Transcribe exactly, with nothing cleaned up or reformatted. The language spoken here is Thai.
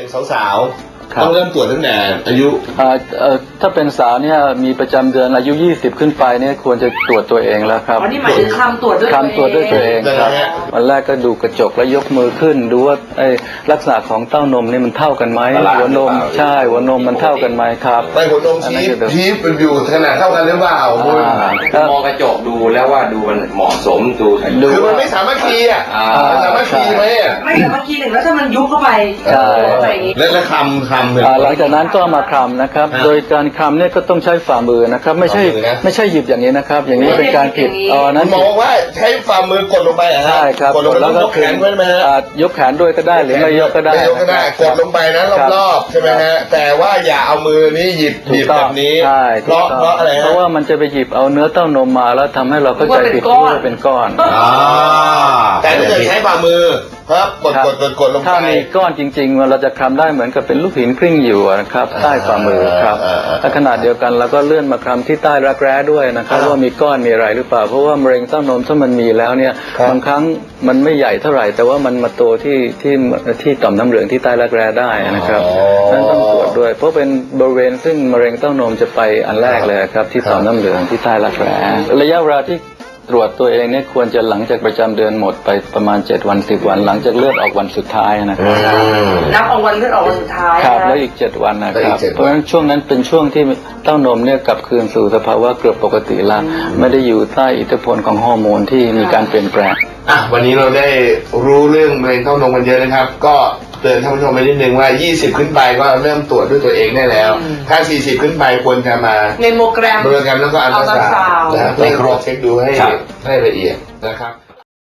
สาวๆต้องเริ่มตรวจตั้งแต่อายุถ้าเป็นสาวเนี่ยมีประจำเดือนอายุยี่สิบขึ้นไปเนี่ยควรจะตรวจตัวเองแล้วครับอ๋อนี่หมายถึงคำตรวจด้วยคำตรวจด้วยตัวเองครับวันแรกก็ดูกระจกแล้วยกมือขึ้นดูว่าไอ้ลักษณะของเต้านมนี่มันเท่ากันไหมหัวนมใช่หัวนมมันเท่ากันไหมครับไม่หัวนมชี้ชี้เป็นอยู่ขนาดเท่ากันหรือเปล่าคุณมองกระจกดูแล้วว่าดูมันเหมาะสมดูคือมันไม่สามารถคีอ่ะมันสามารถคีไหมอ่ะไม่สามารถคีหนึ่งแล้วถ้ามันยุบเข้าไปแล้วคำคำหลังจากนั้นก็มาคำนะครับโดยการคำเนี่ยก็ต้องใช้ฝ่ามือนะครับไม่ใช่ไม่ใช่หยิบอย่างนี้นะครับอย่างนี้เป็นการผิดอ๋อนั้นมองว่าใช้ฝ่ามือกดลงไปใช่ครับกดลงไปแล้วยกแขนไว้ไหมฮะยกแขนด้วยก็ได้หรือไม่ยกก็ได้ยกก็ได้กดลงไปนะรอบๆใช่ไหมฮะแต่ว่าอย่าเอามือนี้หยิบหยิบแบบนี้เพราะเพราะอะไรเพราะว่ามันจะไปหยิบเอาเนื้อเต้านมมาแล้วทำให้เราเข้าใจผิดว่าเป็นก้อนแต่ถ้าเกิดใช้ฝ่ามือครับกดกดกดกดลงไปถ้ามีก้อนจริงๆเราจะคลำได้เหมือนกับเป็นลูกหินกลิ้งอยู่นะครับใต้ฝ่ามือครับถ้าขนาดเดียวกันเราก็เลื่อนมาคลำที่ใต้รักแร้ด้วยนะครับว่ามีก้อนมีอะไรหรือเปล่าเพราะว่ามะเร็งเต้านมถ้ามันมีแล้วเนี่ยบางครั้งมันไม่ใหญ่เท่าไหร่แต่ว่ามันมาโตที่ที่ที่ต่อมน้ำเหลืองที่ใต้รักแร้ได้นะครับนั่นต้องตรวจด้วยเพราะเป็นบริเวณซึ่งมะเร็งเต้านมจะไปอันแรกเลยครับที่ต่อมน้ำเหลืองที่ใต้รักแร้ระยะเวลาที่ตรวจตัวเองเนี่ยควรจะหลังจากประจำเดือนหมดไปประมาณเจ็ดวันสิบวันหลังจากเลือดออกวันสุดท้ายนะครับนับเอาวันเลือดออกวันสุดท้ายครับแล้วอีกเจ็ดวันนะครับเพราะฉะนั้นช่วงนั้นเป็นช่วงที่เต้านมเนี่ยกลับคืนสู่สภาวะเกือบปกติแล้วไม่ได้อยู่ใต้อิทธิพลของฮอร์โมนที่มีการเปลี่ยนแปลงอ่ะวันนี้เราได้รู้เรื่องมะเร็งเต้านมกันเยอะนะครับก็เตือนท่านผู้ชมไปนิดนึงว่ายี่สิบขึ้นไปก็เริ่มตรวจด้วยตัวเองได้แล้วถ้าสี่สิบขึ้นไปควรจะมาเมมโมแกรมเมมโมแกรมแล้วก็อัลตราซาวด์นะครับไปครบเช็คดูให้ให้ละเอียดนะครับ